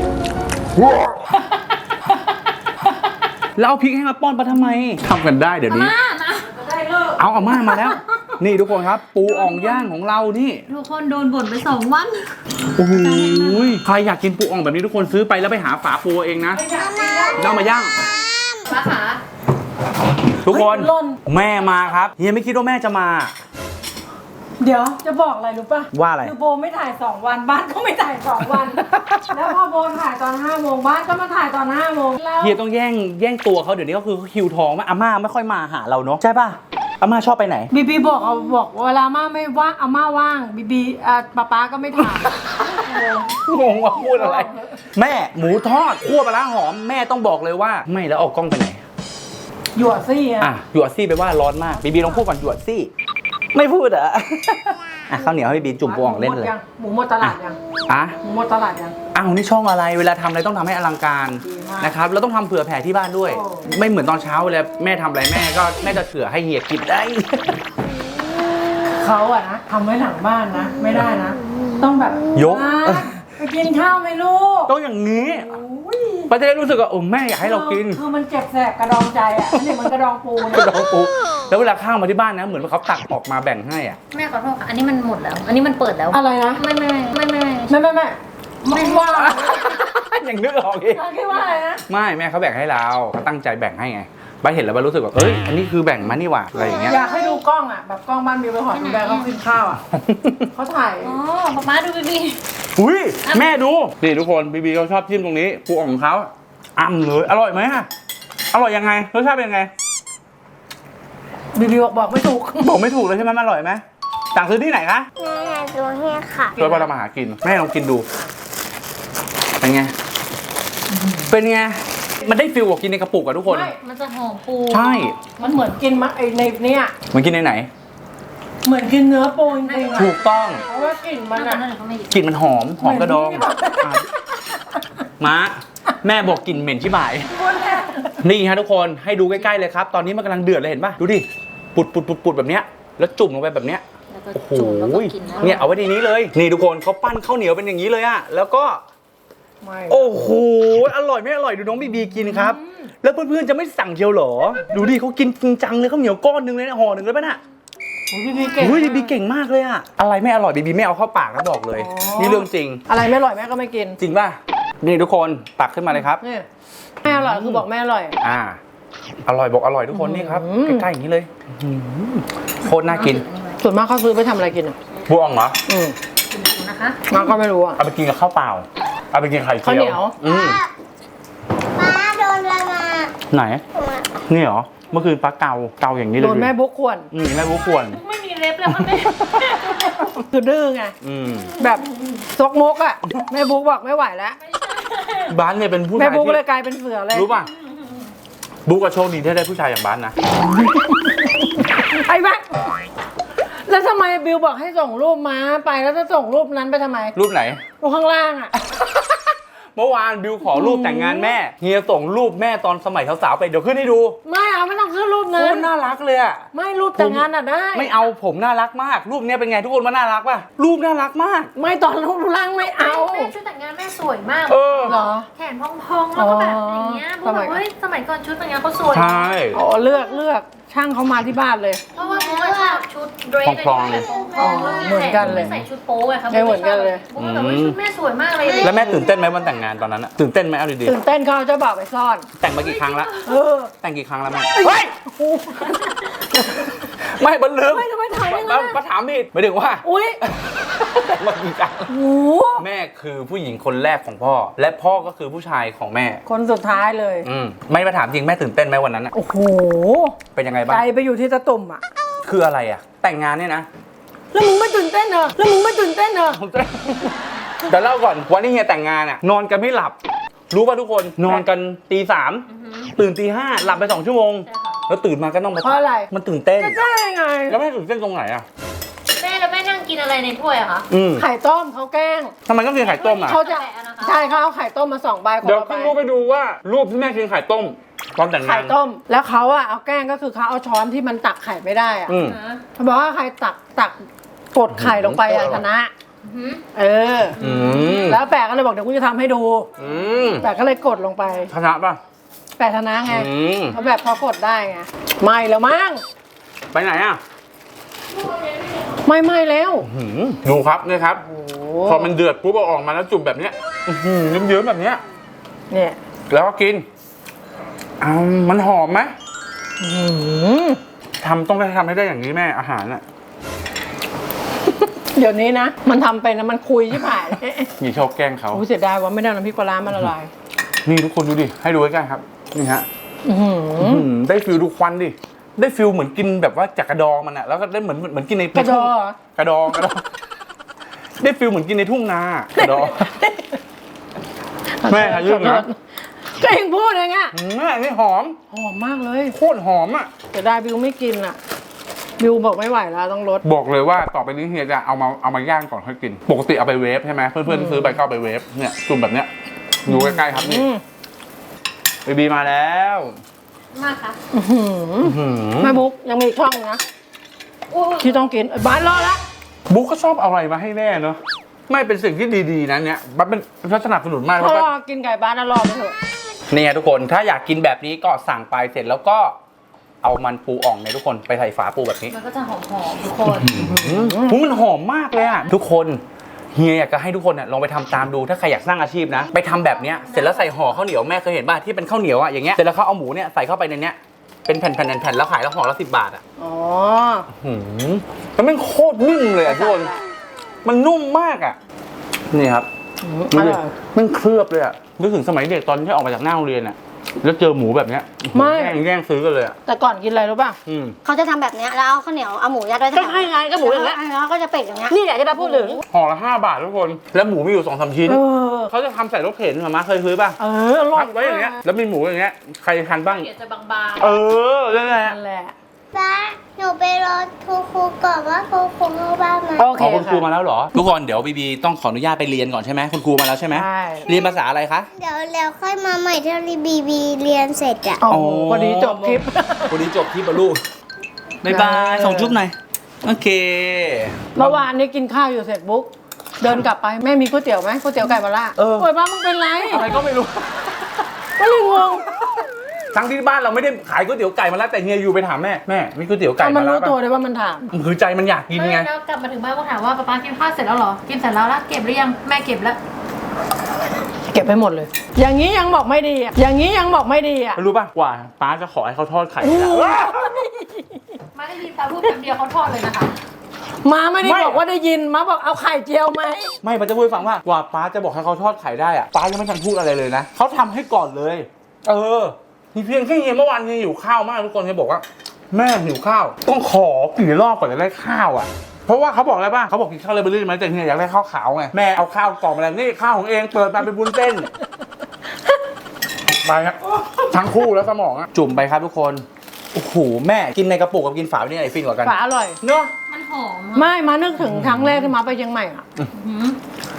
Speaker 1: แล้วเอาพริกให้มาป้อนป้าทำไมทำกันได้เดี๋ยวนี้
Speaker 4: มานะ
Speaker 1: เอาอาม่ามาแล้ว นี่ทุกคนครับ ปูอ่องย่างของเรานี่
Speaker 4: ทุกคนโดนบ่นไปสองวัน
Speaker 1: โอ้โหใครอยากกินปูอ่องแบบนี้ทุกคนซื้อไปแล้วไปหาฝาปูเองนะแล้วเอามาย่าง
Speaker 4: ป้าขา
Speaker 1: ทุกคนแม่มาครับเฮียไม่คิดว่าแม่จะมา
Speaker 3: เดี๋ยวจะบอกอะไรรู้ป่ะ
Speaker 1: ว่าอะไร
Speaker 3: คือโบไม่ถ่ายสองวันบ้านก็ไม่ถ่ายสองวัน แล้วพอโบถ่ายตอนห้าโมงบ้านก็มาถ่ายตอนห้าโมงแล้ว
Speaker 1: เฮียต้องแย่งแย่งตัวเขาเดี๋ยวนี้ก็คือคิวทองมากอาม่าไม่ค่อยมาหาเราเนาะใช่ป่ะอาม่าชอบไปไหน
Speaker 3: บีบีบอกเอาบอกเวลาม่าไม่ว่างอาม่าว่างบีบีอ่าป้าป้าก็ไม่ถ่าย
Speaker 1: งงว่าพูดอะไร แม่หมูทอดคั่วปลาร้าหอมแม่ต้องบอกเลยว่า ไม่แล้วเอากล้องไปไหน
Speaker 3: หยวดซี่อะ
Speaker 1: อ่ะหยวดซี่ไปว่าร้อนมากบีบีลองพูดก่อนหยวดซี่ ไม่พูดเหรอ อ่ะข้าวเหนียวให้บีบีจุ่มปูอ่องเล่นเลย
Speaker 3: หมูหมดตลาดยัง
Speaker 1: อ่ะ
Speaker 3: หมูหมดตลาดยัง
Speaker 1: อ้าวนี่ช่องอะไรเวลาทำอะไรต้องทำให้อลังการ
Speaker 3: ดีมาก
Speaker 1: นะครับแล้วต้องทำเผื่อแผ่ที่บ้านด้วย
Speaker 3: โอ้
Speaker 1: ไม่เหมือนตอนเช้าเวลาแม่ทำอะไรแม่ก็แม่จะเผื่อให้เฮียกินได้
Speaker 3: เขาอะนะทำไว้หลังบ้านนะ ไม่ได้นะ ต้องแบบ
Speaker 1: ยก
Speaker 3: อ่ะไปกินข้าวไหมลูก
Speaker 1: ต้องอย่างนี้
Speaker 3: อุ้ย
Speaker 1: ป้าจะได้รู้สึกว่าโอ้แม่อยากให้เรากิน
Speaker 3: คือมันเจ็บแสบกระดองใจอะอันนี้มันกระดองปู
Speaker 1: กระ
Speaker 3: นะ
Speaker 1: ดองปูแล้วเวลาข้าวมาที่บ้านนะเหมือนว่าเขาตักออกมาแบ่งให้อ่ะ
Speaker 4: แม่ขอโทษค่ะอันนี้มันหมดแล้ว อันนี้มันเปิดแล้ว
Speaker 3: อะไรนะ
Speaker 4: ไม่ไม่ไม่ไม่ไม่
Speaker 3: ไม่ไม่ไม่ไม่ว่า
Speaker 1: อย่างนึกออกอีก
Speaker 3: คิดว่าอะไรนะ
Speaker 1: ไม่แม่เขาแบ่งให้เราเขาตั้งใจแบ่งให้ไงป้าเห็นแล้วป้ารู้สึกว่าเอ้ยอันนี้คือแบ่งมานี่หว่าอะไรอย่างเงี้ย
Speaker 3: อยากให้ดูกล้องอะแบบกล้องบ้านมีไปหอดูแบเขากินข้าวอะเขาถ่าย
Speaker 4: อ๋อป้าป้าดูบีบี
Speaker 1: อุ้ยแม่ดูนี่ทุกคนบีบีเขาชอบจิ้มตรงนี้ปูอ่องของเขาอ่ำเลยอร่อยไหมอะอร่อยยังไงรสชาติเป็นยังไง
Speaker 3: บีบีบอกบอกไม่ถูก
Speaker 1: บอกไม่ถูกเลยใช่ไหมมันอร่อยไหมสั่งซื้อที่ไหนคะ
Speaker 2: แม่อยากดูให้ค่ะ
Speaker 1: ช่วยป้าเรามาหากินแม่ลองกินดูเป็นไงเป็นไงมันได้ฟิลกว่ากินในกระปุกอะทุกคน
Speaker 3: ไม่
Speaker 4: มันจะหอมปู
Speaker 1: ใช่
Speaker 3: มันเหมือนกินมักไอในเนี่ย
Speaker 1: มันกินในไหน
Speaker 3: เหมือนกินเนื้อปูจริงๆอะ
Speaker 1: ถูกต้อง
Speaker 3: เพราะว่ากลิ่นมัน
Speaker 4: นั่
Speaker 3: อะ
Speaker 4: นนั่นเขาไม่หยิบ
Speaker 1: กลิ่นมันหอมหอมกระดอง
Speaker 3: เหมือนที่
Speaker 1: อ่ะม้าแม่บอกกลิ่นเหม็นชิบหาย นี่ฮะทุกคนให้ดูใกล้ๆเลยครับ ตอนนี้มันกำลังเดือดเลยเห็นป่ะ ดูดิ ปุดปุดปุดปุดแบบเนี้ย แล้วจุ่มลงไปแบบเนี้ย
Speaker 4: แล้วก็
Speaker 1: โอ้โห
Speaker 4: จุ่มแล้วก็กินนะ
Speaker 1: เนี่ยเอาไว้ในนี้เลย นี่ทุกคนเขาปั้นข้าวเหนียวเป็นอย่างนี้เลยอะแล้วก็
Speaker 3: ไม่
Speaker 1: โอ้โห อร่อยไม่อร่อยดูน้องบีบีกินครับ แล้วเพื่อนๆจะไม่สั่งเชียวเหรอ ดูดิเขากินจริงจังเลยข้าวเหนียวก้อนหนึงเลยนะห่อหนึ่งเลยป่ะน่ะ
Speaker 3: โอ้ยบีบีเก่ง
Speaker 1: อุ้ยบีบีเก่งมากเลยอะอะไรไม่อร่อยบีบีไม่เอาเข้าปากนะบอกเลย
Speaker 3: อ๋อ
Speaker 1: นี่เรื่องจริง
Speaker 3: อะไรไม่อร่อยแม่ก็ไม่กิน
Speaker 1: จริงป่ะ นี่ทุกคนตักขึ้นมาเลยครับ
Speaker 3: นี่แม่อร่อยคือบอกแม่อร่อย
Speaker 1: อ่า อร่อยบอกอร่อยทุกคนนี่ครับ
Speaker 3: อืม
Speaker 1: ใกล้ๆอย่างนี้เลยอื้อหือโคตรน่ากิน
Speaker 3: ส่วนมากเขาซื้อไปทำอะไรกินอ่ะ
Speaker 1: บวงเหรอ
Speaker 3: อืม
Speaker 4: ดูนะคะ
Speaker 3: มาก็ไม่รู้อ่ะ
Speaker 1: เอาไปกินกับข้าวเปล่า เอาไปกินไข่เจียว
Speaker 3: ข้าวเหนียว
Speaker 1: อืม
Speaker 2: ป้าโดนอะไรมา
Speaker 1: ไหน นี่เหรอ เมื่อคืนปลาเกาเกาอย่างนี้เลย
Speaker 3: โดนแม่บุ๊กขวน
Speaker 1: อืมแม่บุกควร
Speaker 4: ไม่มีเล็บแล้วค่ะแม่
Speaker 3: คือดื้อไง
Speaker 1: อืม
Speaker 3: แบบซกมกอ่ะแม่บุ๊กบอกไม่ไหวแล้ว
Speaker 1: บ้านเนี่ยเป็นผู้
Speaker 3: แม่
Speaker 1: ชาย
Speaker 3: บุ๊ก
Speaker 1: ที่
Speaker 3: เลยกลายเป็นเสือเลย
Speaker 1: รู้ป่ะ บุ๊กกับโชคดีที่ได้ผู้ชายอย่างบ้านนะ
Speaker 3: ไอ้แม่แล้วทำไมบิวบอกให้ส่งรูปม้าไปแล้วจะส่งรูปนั้นไปทำไม
Speaker 1: รูปไหน
Speaker 3: รูปข้างล่างอ่ะ
Speaker 1: เมื่อวานบิวขอรูปแต่งงานแม่เฮียส่งรูปแม่ตอนสมัยสาวๆไปเดี๋ยวขึ้นให้ดู
Speaker 3: ไม่เอาไม่ต้องขึ้นรูป
Speaker 1: โค
Speaker 3: นั้น
Speaker 1: ตรน่ารักเลยอะ
Speaker 3: ไม่รูปแต่งงานอ่ะได้
Speaker 1: ไม่เอาผมน่ารักมาก รูปเนี้ยเป็นไงทุกคนว่าน่ารักป่ะรูปน่ารักมาก
Speaker 3: ไม่ตอนรูปร่างไม่เอา
Speaker 4: แม่ชุดแต่งงานแม่สวยมาก
Speaker 1: เออ
Speaker 3: เหรอ
Speaker 4: แขนพองๆแล้วก็แบบอย่างเงี้ยพวกแบบ
Speaker 3: สมัย
Speaker 4: เฮ้ยสมัยก่อนชุดแต่งงานเขาสวย
Speaker 1: ใช่
Speaker 3: อ๋อเลือกเลือกช่างเขามาที่บ้านเลย
Speaker 4: เพราะว่าเพราะว่าชอบชุดเดรส
Speaker 1: พองๆ
Speaker 4: แบบพองๆแล้ว
Speaker 3: เหมือนกันเลย
Speaker 4: ไม่ใส่ชุดโป๊ไงครับ
Speaker 3: ใช่เหมือนกันเลย
Speaker 4: พวกแบบว่าชุดแม่สวยมากเลย
Speaker 1: แล้วแม่ตื่นเต้นไหมวันแต่งงานตอนนั้นอะตื่นเต้นไหมเอาดี
Speaker 3: ตื่นเต้นเขาเอาเจ้าบ่าวไปซ่อน
Speaker 1: ๆแต่งมากี่ครั้งละ
Speaker 3: เออ
Speaker 1: แต่งกี่ครั้งแล้วแม่เฮ้ยไม่บันลืม
Speaker 3: ไม่ทำไมถามอย่างนั้
Speaker 1: มาน มาถามผิดหมายถึงว่า
Speaker 3: อุ้ย
Speaker 1: แต่งมากี่ครั้ง
Speaker 3: โอ้โห
Speaker 1: แม่คือผู้หญิงคนแรกของพ่อ และพ่อก็คือผู้ชายของแม่
Speaker 3: คนสุดท้ายเลย
Speaker 1: อืมไม่มาถามจริงแม่ตื่นเต้นไหมวันนั้นอะ
Speaker 3: โอ้โห
Speaker 1: เป็นยังไงบ้า
Speaker 3: ใจ
Speaker 1: ง
Speaker 3: ไปอยู่ที่ตะตุ่มอ่ะ
Speaker 1: คืออะไรอะแต่งงานเนี่ยนะ
Speaker 3: แล้วมึงไม่ตื่นเต้นเหรอแล้วมึงไม่ตื่นเต้นเหรอ
Speaker 1: ผมจะเดี๋ยวเล่าก่อนวันที่เฮียแต่งงานอะนอนกันไม่หลับ รู้ป่ะทุกคนนอนกันตีสามตื่นตีห้าหลับไปสองชั่วโมง แล้วตื่นมาก็ต้องมา
Speaker 3: เพราะอะไร
Speaker 1: มันตื่นเต้น
Speaker 3: จะได้ไง
Speaker 1: แล้วแม่ตื่นเต้นตรงไหนอะ
Speaker 4: แม่แล้วแม่นั่งกินอะไรในถ้วยอะคะ
Speaker 1: อืม
Speaker 3: ไข่ต้มเขาแกล้ง
Speaker 1: ทำไมต้องกินไข่ต้มอะ
Speaker 3: เขาจะ
Speaker 4: แปะนะคะ
Speaker 3: ใช่เขาเอาไข่ต้มมาสองใบคน
Speaker 1: เดี๋ยว
Speaker 3: ละใบ
Speaker 1: ขึ้นรูปไปดูว่ารูปที่แม่กินไข่ต้มตอนแต่งงาน
Speaker 3: ไข่ต้ม แล้วเขาอะเอาแกล้งก็คือเขาเอาช้อนที่มันตักไข่ไม่ได้อะ
Speaker 1: อืม
Speaker 3: เขาบอกว่าใครตักตักกดไข่ลงไปอะชนะ
Speaker 4: หืม
Speaker 3: เออ
Speaker 1: อืม
Speaker 3: แล้วแปะก็เลยบอกเดี๋ยวกูจะทำให้ดู
Speaker 1: อืม
Speaker 3: แปะก็เลยกดลงไป
Speaker 1: ชนะป่ะ
Speaker 3: แปะชนะไง
Speaker 1: อืม
Speaker 3: เขาแบบพอกดได้ไงไม่แล้วมั้ง
Speaker 1: ไปไหนอ่ะ
Speaker 3: ไม่ไม่แล้ว
Speaker 1: หืมดูครับนี่ครับ
Speaker 3: โอ้
Speaker 1: พอมันเดือดปุ๊บเอาออกมาแล้วจุ่มแบบเนี้ยอื้อหือเยิ้มๆแบบเนี้ย
Speaker 3: เนี่ย
Speaker 1: แล้วก็กินอ้าวมันหอมไหม
Speaker 3: อื้อหือ
Speaker 1: ทำต้องได้ทำให้ได้อย่างนี้แม่อาหารอ่ะ
Speaker 3: เดี๋ยวนี้นะ มันทำเป็นนะมันคุยชิบหายเลย
Speaker 1: มีชอบแกล้งเขา
Speaker 3: โอ้เสียดายว่าไม่ได้เอาน้ำพริกปลาร้ามาละลาย
Speaker 1: นี่ทุกคนดูดิให้ดูใกล้ๆครับนี่ฮะ
Speaker 3: อื้อหือ
Speaker 1: อื้อหือได้ฟิลดูควันดิได้ฟิลเหมือนกินแบบว่าจากกระดองมันอะแล้วก็ได้เหมือนเหมือนกินใน
Speaker 3: กระดอ
Speaker 1: กระดองกระดอง ได้ฟิลเหมือนกินในทุ่งนากระดอง แม่ค่ะยื่นนะ
Speaker 3: ก็เองพูดเองอะ
Speaker 1: อืมแม่นี่หอม
Speaker 3: หอมมากเลย
Speaker 1: โคตรหอมอ่ะ
Speaker 3: เสียดายบิวไม่กินอะบิวบอกไม่ไหวแล้วต้องลด
Speaker 1: บอกเลยว่าต่อไปนี้เฮียจะเอามาเอามาย่างก่อนค่อยกิน ปกติเอาไปเวฟใช่ไหมเพื่อนๆที่ซื้อไปก็เอาไปเวฟเนี่ยจุ่มแบบเนี้ยดูใกล้ๆครับนี่
Speaker 3: อืม
Speaker 1: บีบีมาแล้ว
Speaker 4: มากค่ะ
Speaker 3: อื้อหือ
Speaker 1: อื้อหือ
Speaker 3: แม่บุ๊กยังมีอีกช่องนะ
Speaker 4: โอ้ย
Speaker 3: ที่ต้องกินเอ้ยบ้านรอละ
Speaker 1: บุ๊กก็ชอบเอาอะไรมาให้แม่เนาะไม่เป็นสิ่งที่ดีๆนะเนี่ยมันเป็นลักษณะสนุนมาก
Speaker 3: เพ
Speaker 1: แล้ว
Speaker 3: ราะ
Speaker 1: ก็
Speaker 3: รอกินไก่บ้านแล้วรอไปเถอะ
Speaker 1: เนี่ยทุกคนถ้าอยากกินแบบนี้ก็สั่งไปเสร็จแล้วก็เอามันปูอ่องเนี่ยทุกคนไปใส่ฝาปูแบบนี้
Speaker 4: มันก็จะหอมๆทุกคน
Speaker 1: อืมมันหอมมากเลยอ่ะทุกคนเฮียอยากจะให้ทุกคนเนี่ยลองไปทำตามดูถ้าใครอยากสร้างอาชีพนะ ไปทำแบบเนี้ยเสร็จแล้วใส่ห่อข้าวเหนียวแม่เคยเห็นป่ะที่เป็นข้าวเหนียวอ่ะอย่างเงี้ยเสร็จแล้วเขาเอาหมูเนี่ยใส่เข้าไปในเนี้ยเป็นแผ่นๆแผ่นๆแล้วขายแล้วห่อละสิบบาทอ่ะ
Speaker 3: อ๋อ
Speaker 1: หืมแล้วมันโคตรนิ่มเลยอ่ะทุกคนมันนุ่มมากอ่ะนี่ครับ
Speaker 3: อ
Speaker 1: ดูดิ
Speaker 3: ร่อย
Speaker 1: มันเคลือบเลยอ่ะนึกถึงสมัยเด็กตอนที่ออกมาจากหน้าโรงเรียนอ่ะแล้วเจอหมูแบบเนี้ย
Speaker 3: ไม่
Speaker 1: แย่งแย่งซื้อกันเลยอ่ะ
Speaker 3: แต่ก่อนกินอะไรรู้ป่ะ
Speaker 1: อืม
Speaker 2: เขาจะทำแบบเนี้ยแล้วเอาข้าวเหนียวเอาหมูยัดไว้
Speaker 3: ก็ให้ไงก็หมูอย่างเงี้ย
Speaker 2: แล้วก็จะเป็ดอย่างเงี้ย
Speaker 3: นี่แหละที่เราพูดถึง
Speaker 1: ห่อละห้าบาททุกคน แล้วหมูมีอยู่สองสามชิ้น
Speaker 3: เออ
Speaker 1: เขาจะทำใส่รถเข็นมาม่าเคยซื้อป่ะ
Speaker 3: เอออร่อ
Speaker 1: พั
Speaker 3: ย
Speaker 1: บไว้อย่างเงี้ย แล้วมีหมูอย่างเงี้ย ใครทานบ้าง
Speaker 4: เดี๋ยวจะบาง
Speaker 1: เออนั่นแหละ
Speaker 3: นั่นแหละ
Speaker 2: ป้าหนูไปรอครูครูก่อนว่าครูครูเข้าบ้านไหม
Speaker 3: โอเค
Speaker 1: อ๋อคุณครู
Speaker 3: ค่ะ
Speaker 1: มาแล้วเหรอ ทุกคนเดี๋ยวบีบีต้องขออนุญาตไปเรียนก่อนใช่ไหมคุณครูมาแล้วใช่ไหม
Speaker 3: ใช่
Speaker 1: เรียนภาษาอะไรคะ
Speaker 2: เดี๋ยวแล้วค่อยมาใหม่ถ้ารีบีบีเรียนเสร็จอะ
Speaker 3: โอ้โหพอดีจบคลิป
Speaker 1: วันนี้จบคลิปบอลูบ๊ายบาย
Speaker 3: ได้
Speaker 1: ส่งจุ๊บหน่อย โอเค
Speaker 3: เมื่อวานนี้กินข้าวอยู่เสร็จบุ๊กเดินกลับไปแม่มีก๋วยเตี๋ยวไหมก๋วยเตี๋ยวไก่มะระ
Speaker 1: เออ
Speaker 3: โอ้ยป้ามึงเป็นไร
Speaker 1: อะไรก็ไม่รู้
Speaker 3: ก็เลยงง
Speaker 1: ทั้งที่บ้านเราไม่ได้ขายก๋วยเตี๋ยวไก่มาแล้วแต่เฮียยูไปถามแม่แม่มีก๋วยเตี๋ยวไก่
Speaker 3: เอามั
Speaker 1: มาน แล้ว
Speaker 3: รู้ตัว
Speaker 1: ป่ะ
Speaker 3: เลยว่ามันถาม
Speaker 1: คือใจมันอยาก
Speaker 4: ๆ
Speaker 1: กิน
Speaker 4: ไม่
Speaker 1: ไง
Speaker 4: แล้วกลับมาถึงบ้านก็ถามว่าป๊าป๊ากินข้าวเสร็จแล้วเหรอ กินเสร็จแล้วแล้วเก็บหรือยัง แม่เก็บแล้ว
Speaker 3: เก็บไปหมดเลย อย่างนี้ยังบอกไม่ดีอ่ะอย่างนี้ยังบอกไม่ดีอ่ะ
Speaker 1: รู้ป่ะกว่าป้าจะขอให้เขาทอดไข่
Speaker 3: โอ้โห
Speaker 1: แล้ว
Speaker 4: มาได้ยินตาพูดแป๊บเดียวเขาทอดเลยนะคะ
Speaker 3: มาไม่ได้บอกว่าได้ยินมาบอกเอาไข่เจียวไหม
Speaker 1: ไม่ป้าจะพูดให้ฟังว่ากว่าป้าจะบอกให้เขาทอดไข่ได้อะป้ายังไม่ทันพูดอะไรเลยนะเขาทำให้ก่อนเลย เออมีเพียงแค่เฮียเมื่อวานเฮียหิวข้าวมากทุกคนเฮียบอกว่า แม่หิวข้าว ต้องขอกี่รอบก่อนจะได้ข้าวอ่ะ เพราะว่าเขาบอกอะไรป่ะเขาบอกกินข้าวเลยไปเรื่อยไหมแต่เฮียอยากได้ข้าวขาวไงแม่เอาข้าวกล่องมาแล้วนี่ข้าวของเองเปิดมาเป็นบุญเส้นไปครับทั้งคู่แล้วสมองอะจุ่มไปครับทุกคนโอ้โหแม่กินในกระปุกกับกินฝาเนี่ยไหนฟินกว่ากัน
Speaker 3: ฝาอร่อย
Speaker 1: เนาะ
Speaker 4: มันหอม
Speaker 3: ไม่มานึกถึงครั้งแรกที่มาไปเชียงใหม่อ่ะ
Speaker 4: หืม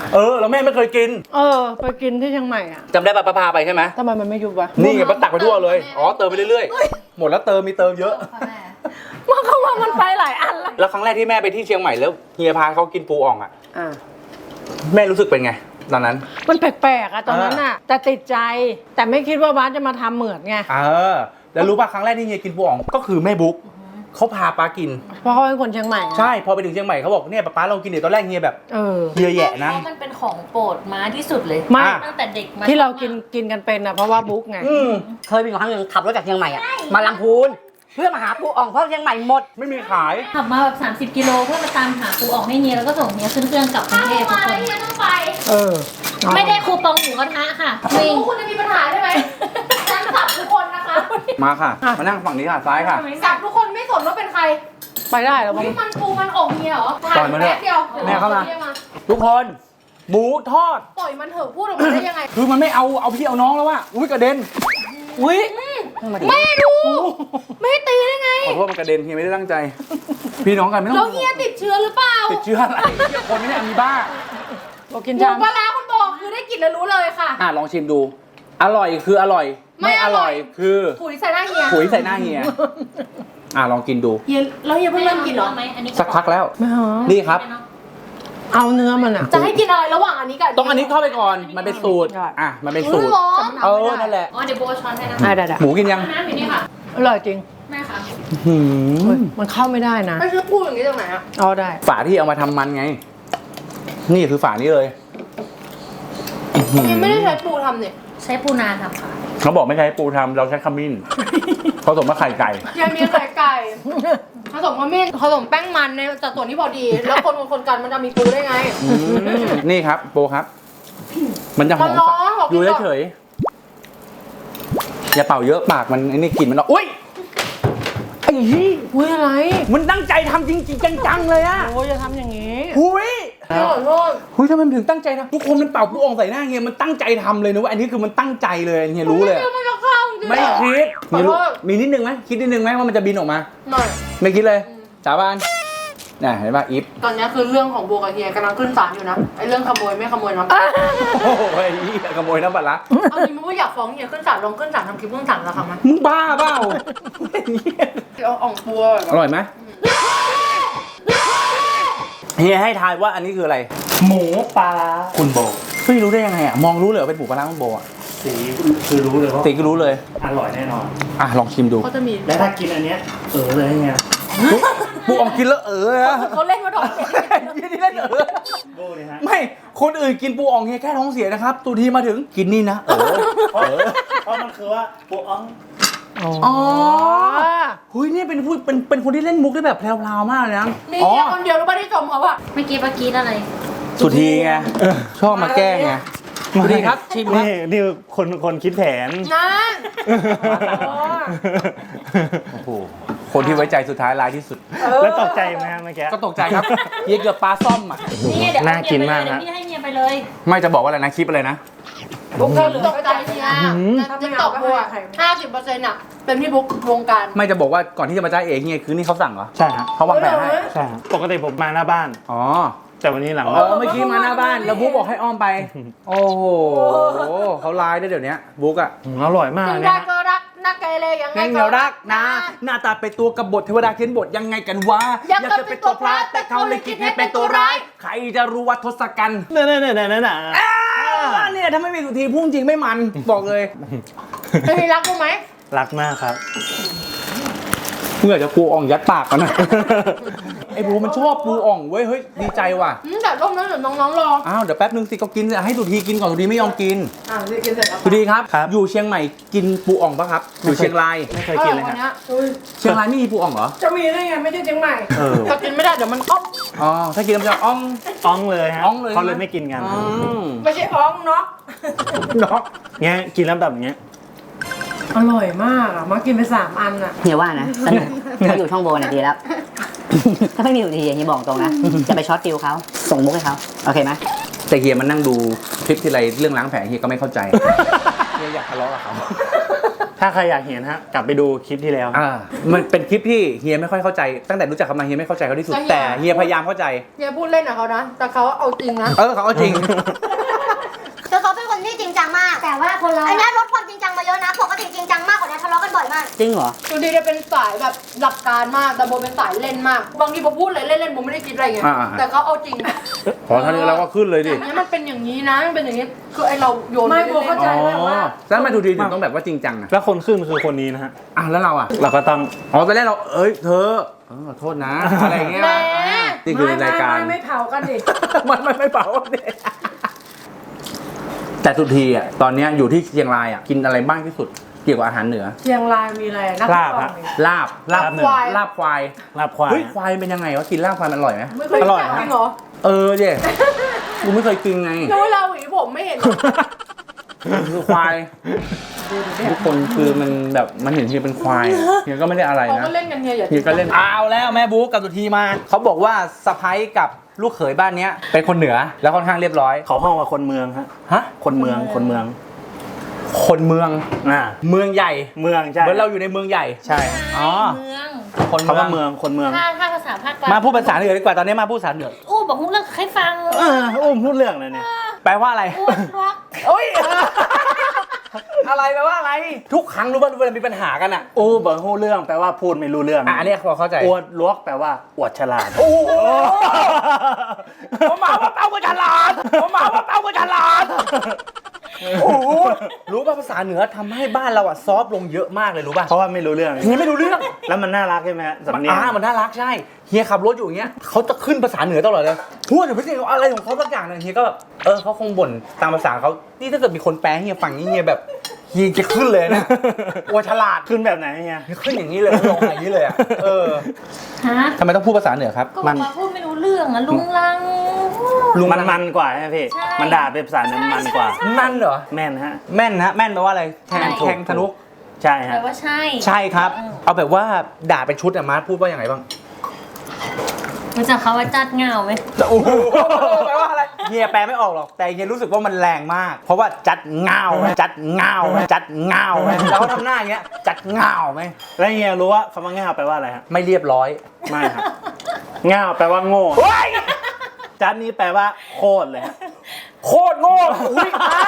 Speaker 1: เออแล้วแม่ไม่เคยกิน
Speaker 3: เออ ไปกินที่เชียงใหม่อ่ะ
Speaker 1: จำได้ป่ะป้าพาไปใช่ไหม
Speaker 3: ทำไมมันไม่ยุบวะ
Speaker 1: นี่ไงป้าตักไปทั่วเลยอ๋อเติมไปเรื่อยๆหมดแล้วเติมมีเติมเยอะ
Speaker 3: มันเขาว่ามันไปหลายอันละ
Speaker 1: แล้วครั้งแรกที่แม่ไปที่เชียงใหม่แล้วเฮียพาเขากินปูอ่องอ่ะ
Speaker 3: อ่า
Speaker 1: แม่รู้สึกเป็นไงตอนนั้น
Speaker 3: มันแปลกๆอะตอนนั้นอะแต่ติดใจ แต่ไม่คิดว่าบ้านจะมาทำเหมือนไง
Speaker 1: เออแล้วรู้ป่ะครั้งแรกที่เฮียกินปูอ่องก็คือแม่บุ๊กเขาพาป้ากิน
Speaker 3: เพราะเขาเป็นคนเชียงใหม่อะ
Speaker 1: ใช่พอไปถึงเชียงใหม่เขาบอกเนี่ยป้าลองกินเดี๋ยวตอนแรกเฮียแบบ
Speaker 3: เออ
Speaker 1: เฮียแหย่นะ
Speaker 4: เพราะมันเป็นของโปรดม้าที่สุดเลย
Speaker 3: ไม่
Speaker 1: อ่ะ
Speaker 4: ตั้งแต่เด็กมา
Speaker 3: ที่เรากินกินกันเป็นอะเพราะว่าบุ๊กไง
Speaker 1: อืม
Speaker 7: เคยมีครั้งหนึ่งขับรถจากเชียงใหม่อะมาลำพูนเพื่อมาหาปูอ่องเพราะเชียงใหม่หมด
Speaker 1: ไม่มีขาย
Speaker 4: ขับมาแบบ30กิโลเพื่อมาตามหาปูออกให้เฮียแล้วก็ส่งเฮียขึ้นเครื่องกลับกรุงเทพทุกคน
Speaker 3: เออ
Speaker 4: ไม่ได้คูปองหมูกระทะค่ะวิ่งคุณจะมีปัญหาใช่ไหมฉันสับทุกคนนะคะ
Speaker 1: มาค่ะมานั่งฝั่งนี้ค่ะซ้ายค่ะ
Speaker 8: สับทุกคนไม่สนว่าเป็นใคร
Speaker 3: ไปได้แล้วมั้ง
Speaker 8: นี่มันปูมันอกเมียเหรอ
Speaker 1: ปล่อยมันเถอะ
Speaker 8: แป๊บเดียว
Speaker 1: แม่เข้ามา
Speaker 8: รียก
Speaker 1: ทุกคนหมูทอด
Speaker 8: ปล่อยมันเถอะพูดออกมาได้ยังไง
Speaker 1: คือมันไม่เอาเอาพี่เอาน้องแล้วว่ะอุ้ยกระเด็น
Speaker 3: อุ้ย
Speaker 8: แม่ดู ไม่ให้ตีได้ไง
Speaker 1: ขอโทษมันกระเด็นเฮียไม่ได้ตั้งใจ พี่น้องกันไม่ต้
Speaker 8: แล้
Speaker 1: อ
Speaker 8: ว
Speaker 1: ง
Speaker 8: เฮียติดเชื้อหรือเปล่า
Speaker 1: ติดเชื้ออะไรเหี้ยคนไม่ได้อะมีบ้า
Speaker 3: บอกกิน
Speaker 8: หมู
Speaker 3: จาน
Speaker 8: ปลาร้าคุณบอกคือได้กลิ่นแล้วรู้เลยค่ะ
Speaker 1: อ่ะลองชิมดู อร่อยคืออร่อย
Speaker 8: ไม่
Speaker 1: ไม่อ
Speaker 8: อร่
Speaker 1: ร่อ
Speaker 8: อย ย
Speaker 1: คือ
Speaker 8: ถุยใส่หน้าเฮีย
Speaker 1: ปุ๋ยใส่หน้าเฮียอ่ะลองกินดู
Speaker 8: เฮียแล้วเฮียเพิ่งเริ่มกินเหรอ
Speaker 4: ไหมอันนี้
Speaker 1: สักพักแล้ว
Speaker 3: ไม่หอม
Speaker 1: นี่ครับ
Speaker 3: เอาเนื้อมันอะ
Speaker 8: จะให้กินอะไรระหว่างอันนี้กับ
Speaker 1: ต้องอันนี้เข้าไปก่อนมันเป็นสูตร
Speaker 3: ได้
Speaker 1: อ่ะมันเป็นสูตร
Speaker 8: ร้อน
Speaker 1: เออนั่นแหละ
Speaker 4: อ๋อเดี๋ยวโบช้อนให้นะ
Speaker 3: ได้ได้ได้
Speaker 1: หมูกินยัง
Speaker 4: น้ำอยู่นี่ค่ะ
Speaker 3: อร่อยจริง
Speaker 4: แม่ค่ะ
Speaker 1: หื
Speaker 3: เฮ้ย
Speaker 1: ม
Speaker 3: มันเข้าไม่ได้นะ
Speaker 8: ไม่ใช่พูดอย่างนี้ตรงไหนอะ
Speaker 3: เอาได้
Speaker 1: ฝาที่เอามาทำมันไง นี่คือฝานี้เลย
Speaker 8: เฮียไม่ได้ใช้ปูทำเนี่ย
Speaker 4: ใช้ปูนาทำค่ะ
Speaker 1: เขาบอกไม่ใช้ปูทำเราใช้ขมิ้นผสมกับไข่ไก่
Speaker 8: เฮียมีไข่ไก่ผสมขมิ้นผสมแป้งมันในจากส่วนที่พอดี แล้วคนคนคนกันมันจะมีปูได้ไง
Speaker 1: อืมนี่ครับโปครับ มันจะหอม
Speaker 8: มันร้อนบอก
Speaker 1: อยู่
Speaker 8: พี่ก่อน
Speaker 1: เฉยๆอย่าเป่าเยอะปากมันไอ้นี่กลิ่นมันออกอุ้ยไอ้เหี้ย
Speaker 3: อุ้ยอะไร
Speaker 1: มันตั้งใจทำจริงๆจังๆเลยอะ
Speaker 3: โอ้ยจะทำอย่างนี้
Speaker 1: หุย
Speaker 8: พี่ขอโทษ
Speaker 1: หุยทำไมมันถึงตั้งใจทำทุกคนมันเป่าปูอ่องใส่หน้าเฮียมันตั้งใจทำเลยนะว่าอันนี้คือมันตั้งใจเลยเฮียรู้เลยอะ
Speaker 8: มันจะเข้าจริงๆ
Speaker 1: ไม่คิด
Speaker 8: ขอ
Speaker 1: มี
Speaker 8: โท
Speaker 1: รู้
Speaker 8: ษ
Speaker 1: มีนิดนึงไหมคิดนิดนึงไหมว่ามันจะบินออกมา
Speaker 8: หน่อย
Speaker 1: ไม่คิดเลยสาบานน่ะเห็นป่ะอีฟ
Speaker 8: ตอนนี้คือเรื่องของโบกับเฮียกำลังขึ้นศาลอยู่นะไอ้เรื่องขโมยไม่ขโมยนะ
Speaker 1: โอ้โหไอ้เหี้ยขโมยน้ำปลาร้า
Speaker 8: เอาจริงไม่อยากฟ้องเฮียขึ้นศาลลงขึ้นศาลทำคลิปขึ้นศาลแล้วครั้งไหม
Speaker 1: มึงบ้าเปล่า
Speaker 8: เอาอ่องปัว
Speaker 1: อร่อยไหมเฮียให้ทายว่าอันนี้คืออะไร
Speaker 5: หมูปลาร้า
Speaker 1: คุณโบไม่รู้ได้ยังไงอ่ะมองรู้เลยว่าเป็นหมูปลาร้าคุณโบอ่ะ
Speaker 5: สีคือรู้เลยว่า
Speaker 1: ตีก็รู้เลย
Speaker 5: อร่อยแน่นอน
Speaker 1: อ่ะลองชิมดู
Speaker 8: เขาจะมี
Speaker 5: และถ้ากินอันเนี้ยเออเลยไง
Speaker 1: ปูอ่องกินแล้วเอออะ
Speaker 8: เขาเล่นมาดอก
Speaker 1: เฮียนี่เล่นเออ
Speaker 5: โบเลยฮะ
Speaker 1: ไม่คนอื่นกินปูอ่องเฮียแค่ท้องเสียนะครับตูทีมาถึงกินนี่นะเออ
Speaker 5: เพราะ
Speaker 1: เออ
Speaker 5: เพราะมันคือว่าปูอ่อง
Speaker 1: อ๋อหุยเนี่ยเป็นผู้เป็นเป็นคนที่เล่นมุกได้แบบแพรวๆมากเลยนะ
Speaker 8: มี
Speaker 1: อ๋อ
Speaker 8: เฮียคนเดียวรู้ป่ะที่ชมเขาอะ
Speaker 4: เมื่อกี้เมื่อกี้อะไร
Speaker 1: สุธีไงชอบมาแกล้งไงสุธีครับชิมครับ
Speaker 5: นี่นี่คนคนคิดแผน
Speaker 8: นั่น
Speaker 1: โอ้โหคนที่ไว้ใจสุดท้ายร้ายที่สุด
Speaker 5: แล้วตกใจไหมฮะเมื่อกี้
Speaker 1: ก็ตกใจครับเฮียเกือบปลาซ่อมอ่ะ
Speaker 4: นี่ไงเดี๋ยว
Speaker 5: น่ากินมาก
Speaker 4: เดี๋ย
Speaker 5: ฮะ
Speaker 4: วพี่ให้เมียไปเลย
Speaker 1: ไม่จะบอกว่าอะไรนะคลิปอะไรนะ
Speaker 8: บุ๊กเธอหรือตกใจเฮียติ๊กต็อกบัวห้าสิบเปอร์เซ็นต์อะเป็นพี่บุ๊กวงการ
Speaker 1: ไม่จะบอกว่าก่อนที่จะมาจ้าเองเฮียคือนี่เขาสั่งเหรอ
Speaker 5: ใช่ฮะ
Speaker 1: เขาวางแผนให้
Speaker 5: ใช่ฮะปกติผมมาหน้าบ้าน
Speaker 1: อ๋อ
Speaker 5: แต่วันนี้หลัง
Speaker 1: เอ
Speaker 5: บ้าน
Speaker 1: อเมื่อกี้มาหน้าบ้านแล้วบุ๊กบอกให้อ้อมไป โอ้โหเขาร้ายได้เดี๋ยวนี้บุ๊กอะ
Speaker 5: อืมอร่อยมาก
Speaker 8: ถึง
Speaker 5: เนี่
Speaker 8: ได้
Speaker 5: ย
Speaker 8: ก็รักนักเกเรยังไง
Speaker 1: แง่งเหนียวรักนะ หน้าตาเป็นตัวกบฏเทวดาเขียนบทยังไงกันวะ
Speaker 8: อยากจะเป็นตัวพระแต่เขาเลยคิดให้เป็นตัวร้าย
Speaker 1: ใครจะรู้ว่าทศกัณฐ์
Speaker 5: เนี่ยเนี่ยเนี่ยเนี่ยเนี่ย
Speaker 1: อ่าเนี่ยถ้าไม่มีสุธีพุ่งจริงไม่มันบอกเลย
Speaker 8: เคยรักกูไหม
Speaker 5: รักมากครับ
Speaker 1: เมื่อจะปูอ่องยัดปากกันนะไอ้บูมันชอบปูอ่องเว้ยเฮ้ยดีใจว่ะ
Speaker 8: อืมแต่ร่มนั้นเดี๋ยวน้องๆรอ
Speaker 1: อ้าวเดี๋ยวแป๊บนึงสิก็กินให้สุธีกินก่อนสุธีไม่ยอมกิน
Speaker 8: อ่ะรีบกินเสร็จแล้ว
Speaker 1: สุธีครับ
Speaker 5: ครับ
Speaker 1: อยู่เชียงใหม่กินปูอ่องปะครับ อยู่เชียงราย
Speaker 5: ไม่เคยกินเลย
Speaker 8: วัน
Speaker 5: ฮะ
Speaker 8: นี้อุ้ย
Speaker 1: เชียงรายไม่มีปูอ่องเหรอ
Speaker 3: จะมีได้ไงไม่ใช่เชียงใหม่
Speaker 5: เออ
Speaker 8: ถ้ากินไม่ได้เดี๋ยวมันอ๊อก
Speaker 1: อ๋อถ้ากินแล้วมันจะอ่อง
Speaker 5: อ้องเลยฮะ
Speaker 1: อ้องเลย
Speaker 5: เขาเลยไม่กินกัน
Speaker 1: อืม
Speaker 3: ไม่ใช่อ้องเนาะ
Speaker 1: เนาะ
Speaker 5: เงี้ยกินแล้วแบบเงี้ย
Speaker 3: อร่อยมากอ่ะ มากินไปสามอันอ่ะ
Speaker 7: เฮียว่านะสนุกเขาอยู่ช่องโบน่ะดีแล้ว ถ้าไม่มีอยู่ดีเฮียบอกตรงนะ จะไปช็อตฟิลเขาส่งมุกให้เขาโอเคไหม
Speaker 1: แต่เฮียมันนั่งดูคลิปที่ไรเรื่องล้างแผลเฮียก็ไม่เข้าใจ เฮียอยากทะเลาะกับเขา
Speaker 5: ถ้าใครอยากเห็นฮะกลับไปดูคลิปที่แล้ว
Speaker 1: อ่ามันเป็นคลิปที่เฮียไม่ค่อยเข้าใจตั้งแต่รู้จักเขามาเฮียไม่เข้าใจเขาที่สุดแต่เฮียพยายามเข้าใจ
Speaker 8: เฮียพูดเล่นกับเขานะ แต่เขาเอาจริงนะ
Speaker 1: เออเขาเอาจริง
Speaker 2: คือเขาเป็นคนที่จริงจังมาก แต่ว่าคนเราอันนี้ลดความจริงจังมาเยอะนะปกติจริงจังมากกว่านี้ทะเลาะกันบ่อยมาก
Speaker 7: จริงเหรอ
Speaker 8: ดูดีจะเป็นสายแบบหลักการมาก แต่โบเป็นสายเล่นมาก บางทีโบพูดเลยเล่นๆโบไม่ได้คิดอะไรไง
Speaker 1: อ่าๆ
Speaker 8: แต่เขาเอาจริง
Speaker 1: พอท่านี้เราก็ขึ้นเลยดิ
Speaker 8: อันนี้มันเป็นอย่างนี้นะมันเป็นอย่างนี้ คือไอเราโยน
Speaker 3: ไม่
Speaker 8: ป
Speaker 3: โบเข้าใจ
Speaker 1: อ๋อ
Speaker 3: แบบว่า
Speaker 1: แล้วทำไมทูทีถึงต้องแบบว่าจริงจังอะ
Speaker 5: แล้วคนขึ้นคือคนนี้นะฮะ
Speaker 1: อ่ะแล้วเราอ่ะ
Speaker 5: เราก็ต้อง
Speaker 1: อ๋อตอนแรกเราเอ้ยเธอเออขอโทษนะอะไรอย่างเงี้ย
Speaker 8: แหม
Speaker 1: อ่ะนี่คือ
Speaker 3: ไม่
Speaker 1: รายการ
Speaker 3: ไม่ไม่เผากันดิ
Speaker 1: มันไม่ไม่เผาเนี่ยแต่สุทีอ่ะตอนเนี้ยอยู่ที่เชียงรายอ่ะกินอะไรบ้างที่สุดเกี่ยวกับอาหารเหนือ
Speaker 3: เชียงรายมีอะไรนัก
Speaker 5: ลาบ
Speaker 3: ร้อ
Speaker 5: ฮะ
Speaker 3: งนี่
Speaker 1: ลาบลาบ
Speaker 5: ลาบเหนือ
Speaker 1: ควายลาบควาย
Speaker 5: ลาบควาย
Speaker 1: เฮ้ยควายเป็นยังไงวะกินลาบควายมันอร่อยไหม
Speaker 8: ไม่เคย
Speaker 5: อร่อย
Speaker 8: จับ
Speaker 5: ฮะ
Speaker 8: จริงเหรอ
Speaker 1: เออเจ๊กูไม่เคยกินไง
Speaker 8: แล้วเวลาหวีผมไม่เห็นเหรอ
Speaker 1: คือควายทุกคนคือมันแบบมันเห็นเฮียเป็นควายเฮียก็ไม่ได้อะไร
Speaker 8: เขา
Speaker 1: นะ
Speaker 8: ก็เล่นกันเฮียอย่า
Speaker 1: เฮียก็เล่นเอาแล้วแม่บุ๊กกับสุธีมาเขาบอกว่าสะพ้ยกับลูกเขยบ้านเนี้ยเป็นคนเหนือแล้วค่อนข้างเรียบร้อย
Speaker 5: เขาห้องว่าคนเมืองฮะ
Speaker 1: ฮะ
Speaker 5: คนเมืองคนเมือง
Speaker 1: คนเมือง
Speaker 5: อ่า
Speaker 1: เมืองใหญ่
Speaker 5: เมืองใช่
Speaker 1: เหมือนเราอยู่ในเมืองใหญ่
Speaker 5: ใช่
Speaker 1: อ๋อ
Speaker 4: เมือง
Speaker 1: คน
Speaker 5: เขาว่าเมืองคนเมือง
Speaker 4: ถ้าถ้าภาษาภาคกลาง
Speaker 1: มาพูดภาษาเหนือดีกว่าตอนนี้มาพูดภาษาเหนือ
Speaker 4: อู้บอกเรื่องให้ฟัง
Speaker 5: เอออุ้มพูดเรื่องเลยเนี่ย
Speaker 1: แปลว่าอะไร
Speaker 4: อ้วนรัก
Speaker 1: โอ้ยอะไรแปลว่าอะไร ทุกครั้งรู้ป่ะเวลามีปัญหากันอ่ะ
Speaker 5: อู้บอกพูดเรื่องแปลว่าพูดไม่รู้เรื่อง
Speaker 1: อ่ะอันนี้พอเข้าใจ
Speaker 5: อวดลวกแปลว่าอวดฉลาด
Speaker 1: โอ้โหผมมาว่าเป้ากับฉลาดผมมาว่าเป้ากับฉลาดโอ้โหรู้ป่ะภาษาเหนือทำให้บ้านเราอ่ะซอฟต์ลงเยอะมากเลยรู้ป่ะ
Speaker 5: เพราะว่าไม่รู้เรื่อง
Speaker 1: เฮียไม่รู้เรื่อง
Speaker 5: แล้วมันน่ารักใช่ไหมฮะสำเนียง
Speaker 1: อ่ามันน่ารักใช่เฮียขับรถอยู่อย่างเงี้ยเขาจะขึ้นภาษาเหนือตลอดเลยพูดเดี๋ยวพี่เจอะไรของเขาสักอย่างหนึงเฮียก็แบบเออเขาคงบ่นตามภาษาเขานี่ถ้าเกิดมีคนแปลให้เฮียฟังนี่เฮียแบบเฮียจะขึ้นเลยนะกลัวฉลาด
Speaker 5: ขึ้นแบบไหนเฮีย
Speaker 1: เฮียขึ้นอย่างนี้เลยลงอย่างนี้เลยอ่ะเออ
Speaker 4: ฮะ
Speaker 1: ทำไมต้องพูดภาษาเหนือครับ
Speaker 4: ก็บอกว่าพูดไม่รู้เรื่องอะลุงลัง
Speaker 1: ลุง
Speaker 5: มันมันกว่าใช่ไหมพี่
Speaker 4: ใช่
Speaker 5: มันด่าเป็นภาษาเนื้อมันกว่า
Speaker 1: นั่นเหรอ
Speaker 5: แม่นฮะ
Speaker 1: แม่นนะแม่นแปลว่าอะไรแทง
Speaker 5: ถูก
Speaker 1: แทงธนุ
Speaker 5: ใช่
Speaker 4: แป
Speaker 5: ฮะ
Speaker 4: ลว่าใช่
Speaker 1: ใช่ครับ เอาแบบว่าด่าเป็นชุดอะมาร์ทพูดว่าอย่างไรบ้าง
Speaker 4: รู้จักเขาว่าจัดเงาไหม
Speaker 1: โอ้โหแปลว่าอะไรเฮียแปลไม่ออกหรอกแต่เฮียรู้สึกว่ามันแรงมาก เพราะว่าจัดเงาไหมจัดเงาไหมจัดเงาไหมแล้วเขาทำหน้าอย่างเงี้ยจัดเงาไหม
Speaker 5: แล้วเฮียรู้ว่าคำว่าง่าวแปลว่าอะไรฮะ
Speaker 1: ไม่เรียบร้อย
Speaker 5: ไม่ครับ ง่าวแปลว่าโง่
Speaker 1: เฮ้ย
Speaker 5: จัดนี้แปลว่าโคตรเลยฮะ
Speaker 1: โคตรโง่อุ้ยอ่ะ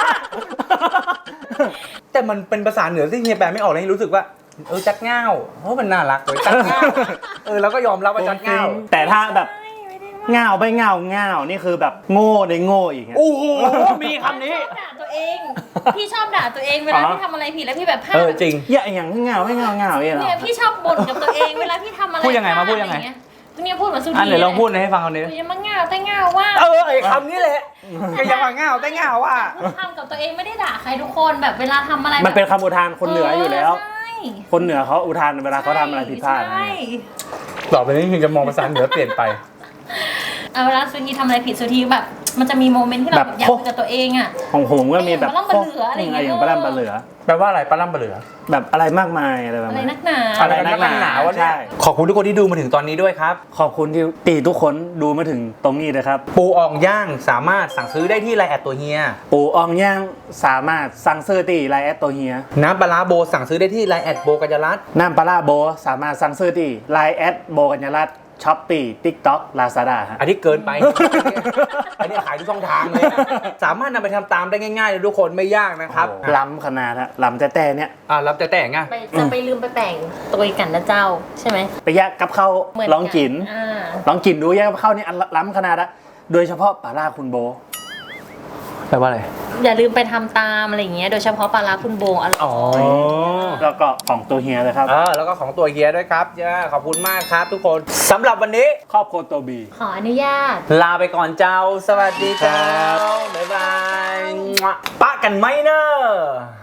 Speaker 1: แต่มันเป็นภาษาเหนือที่เฮียแปลไม่ออกเลยรู้สึกว่าเออจัดเงาเพราะมันน่ารักเลยจัดเงาเออแล้วก็ยอมรับว่าจัดเงา
Speaker 5: แต่ถ้าแบบง่าวไปง่าวง่าวนี่คือแบบโง่ในโง่อีกฮะ
Speaker 1: โอ้โหมีคำนี้
Speaker 4: ชอบด่าตัวเอง พี่ชอบด่าตัวเองเวลา
Speaker 5: อ๋อ
Speaker 4: พี่ทำอะไรผิดแล้วพี่แบบพลา
Speaker 1: เอ
Speaker 4: ด
Speaker 1: อจริง
Speaker 5: อย่าอย่างง่าวให้ง่าวง่าวเนี่ยเหรอ
Speaker 4: เนี่ยพี่ชอบบ่นกับตัวเองเวลาพี่ทำอะไร
Speaker 1: พูดยังไงมา
Speaker 4: พล
Speaker 1: พูดยังไง
Speaker 4: อะรเเนี่ยพูดเหมือนสุด
Speaker 1: อันไหนลองพูดให้ฟังเอาดิ
Speaker 4: อย่ามาเงาแต่เงาว่า
Speaker 1: เออไอ้คำนี้แหละก็ยังว่าเงาแต่เงาว่า
Speaker 4: ทำกับตัวเองไม่ได้ด่าใครทุกคนแบบเวลาทำอะไร
Speaker 5: มันเป็นคำอุทานคนเหนืออยู่แล้ว
Speaker 4: ใช่
Speaker 5: คนเหนือเขาอุทานเวลาเขาทำอะไรผิดพลาดนะ
Speaker 4: ใช่
Speaker 1: ต่อไปนี้คือจะมองภาษาเหนือเปลี่ยนไป
Speaker 4: เอาเวลาสุธีทำอะไรผิดสุธีแบบ มันจะมีโมเมนต์ที่เรา
Speaker 5: แบบ
Speaker 4: อยากคุยกับตัวเองอ่ะ
Speaker 5: ของผมก็มีแบบ
Speaker 4: อย่างปลาล่ำปลาเหลืออะไรอย่างเงี้ย
Speaker 5: อย่างปลาล่ำปลาเหลือ
Speaker 1: แปลว่าอะไรปลาล่ำปลาเหลือ
Speaker 5: แบบอะไรมากมายอะไรแบบ
Speaker 4: อะไร
Speaker 5: นั้น
Speaker 4: นักหนา
Speaker 1: อะไรนักหนาวะเนี่ย
Speaker 5: ใช่
Speaker 1: ขอบคุณทุกคนที่ดูมาถึงตอนนี้ด้วยครับ
Speaker 5: ขอบคุณที่ตีทุกคนดูมาถึงตรงนี้นะครับ
Speaker 1: ปูอ่องย่างสามารถสั่งซื้อได้ที่ไลน์แอดตัวเฮีย
Speaker 5: ปูอองย่างสามารถสั่งซื้อตีไลน์แอดตัวเฮีย
Speaker 1: น้ำปลาร้าโบสั่งซื้อได้ที่ไลน์แอดโบกัญญารัตน์
Speaker 5: น้ำปลาร้าโบสามารถสั่งซื้อตีไลน์แอดโบกัญญารัตน์ช้อปปี้ทิกต็อกลาซาด้าฮะ
Speaker 1: อันนี้เกินไป อันนี้ขายทุกช่องทางเลยนะสามารถนำไปทำตามได้ง่ายๆเลยทุกคนไม่ยากนะครับ
Speaker 5: ล้ำขนาดฮะล้ำแต่แต่เนี้ย
Speaker 1: อ่ารับแต่แต่งอ่ะ
Speaker 4: ไปจะไปลืมไปแต่งตัวกันนะเจ้าใช่ไหม
Speaker 5: ไปแยกกับข้าว
Speaker 4: เหมือน
Speaker 5: ลองกิน
Speaker 4: อ่า
Speaker 5: ลองกินดูแยกกับข้าวนี่อันล้ำขนาดอะโดยเฉพาะปลาร้าคุณโบ
Speaker 1: แปลว่าอะไร
Speaker 4: อย่าลืมไปทำตามอะไรอย่างเงี้ยโดยเฉพาะปลาร้าคุณโบอร่อย
Speaker 1: อ๋อ
Speaker 5: แล้วก็ของตัวเฮียเลยครับ
Speaker 1: เออแล้วก็ของตัวเฮียด้วยครับย่าขอบคุณมากครับทุกคนสำหรับวันนี้
Speaker 5: ครอบครัวตัวบี
Speaker 4: ขออนุญาต
Speaker 1: ลาไปก่อนเจ้า สวัสดีเจ้า
Speaker 5: ครับ
Speaker 1: บ๊ายบายปะกันไหมเนอะ